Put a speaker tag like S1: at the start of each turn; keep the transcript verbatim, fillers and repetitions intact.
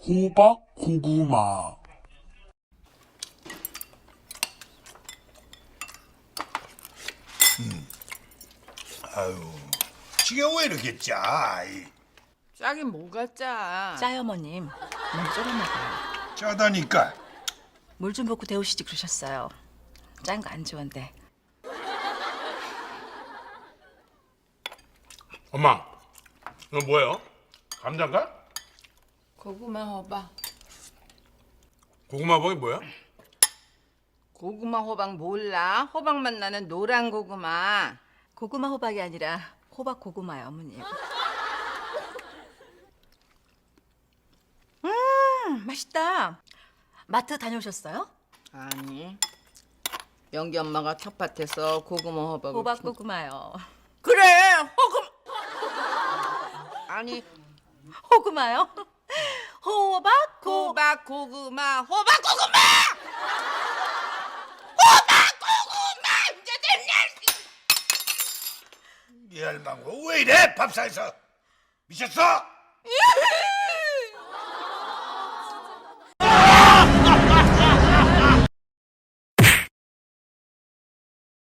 S1: 호박, 고구마.
S2: 아유, 지가 왜 이렇게 짜? 이,
S3: 짜긴 뭐가 짜?
S4: 짜요, 어머님. 너무 졸여 먹어요.
S2: 짜다니까.
S4: 물 좀 붓고 데우시지 그러셨어요. 짠 거 안 좋은데.
S1: 엄마, 이거 뭐예요? 감자인가?
S3: 고구마 호박.
S1: 고구마 호박이 뭐야?
S3: 고구마 호박 몰라? 호박 맛 나는 노란 고구마.
S4: 고구마 호박이 아니라 호박 고구마요, 어머님. 음, 맛있다. 마트 다녀오셨어요?
S3: 아니. 영기 엄마가 텃밭에서 고구마 호박을
S4: 호박
S3: 키-
S4: 고구마요.
S3: 그래 호금 아니
S4: 호구마요? 호박 고
S3: 호박 고구마 호박 고구마 호박 고구마 이제 됐냐?
S2: 이 할망구 왜 이래? 밥상에서 미쳤어?